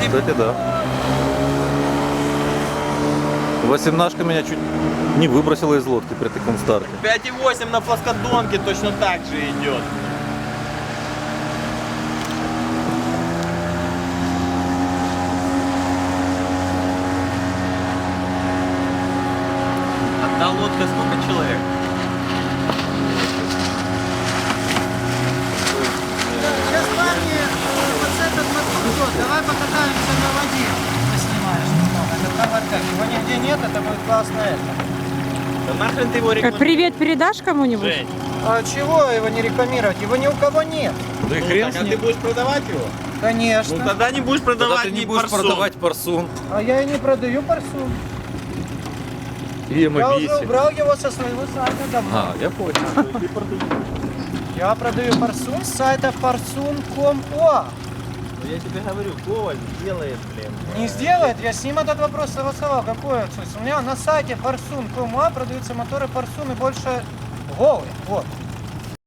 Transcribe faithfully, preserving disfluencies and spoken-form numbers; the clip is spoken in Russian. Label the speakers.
Speaker 1: Кстати, да. Восемнашка меня чуть не выбросила из лодки при таком старте.
Speaker 2: пять и восемь на плоскодонке точно так же идет. Одна лодка сколько человек?
Speaker 3: Сейчас парни вот с этот мотор идет. Давай покатаемся на воде. Поснимаешь немного. Это товарка. Его нигде нет, это будет классно это.
Speaker 2: Да нахрен ты его
Speaker 4: Э,
Speaker 2: рекламируешь?
Speaker 4: Привет передашь кому-нибудь?
Speaker 2: Жень,
Speaker 3: А чего его не рекламировать? Его ни у кого нет.
Speaker 1: Да и
Speaker 2: ну
Speaker 1: хрен
Speaker 2: так,
Speaker 1: с
Speaker 2: а ты
Speaker 1: ним.
Speaker 2: будешь продавать его?
Speaker 3: Конечно.
Speaker 2: Ну тогда не будешь
Speaker 1: Тогда
Speaker 2: продавать
Speaker 1: ты не
Speaker 2: ни
Speaker 1: будешь
Speaker 2: парсун.
Speaker 1: продавать парсун
Speaker 3: А я и не продаю парсун.
Speaker 1: и
Speaker 3: Я уже
Speaker 1: эмобиси.
Speaker 3: убрал его со своего сайта давно.
Speaker 1: А, я понял.
Speaker 3: Я продаю парсун с сайта парсун точка ком точка о.
Speaker 2: Ну я тебе говорю, Коваль делает, блин.
Speaker 3: Не сделает, я с ним этот вопрос согласовал. Какой отсутствие? У меня на сайте парсун точка ком точка о продаются моторы парсун и больше голые. Вот.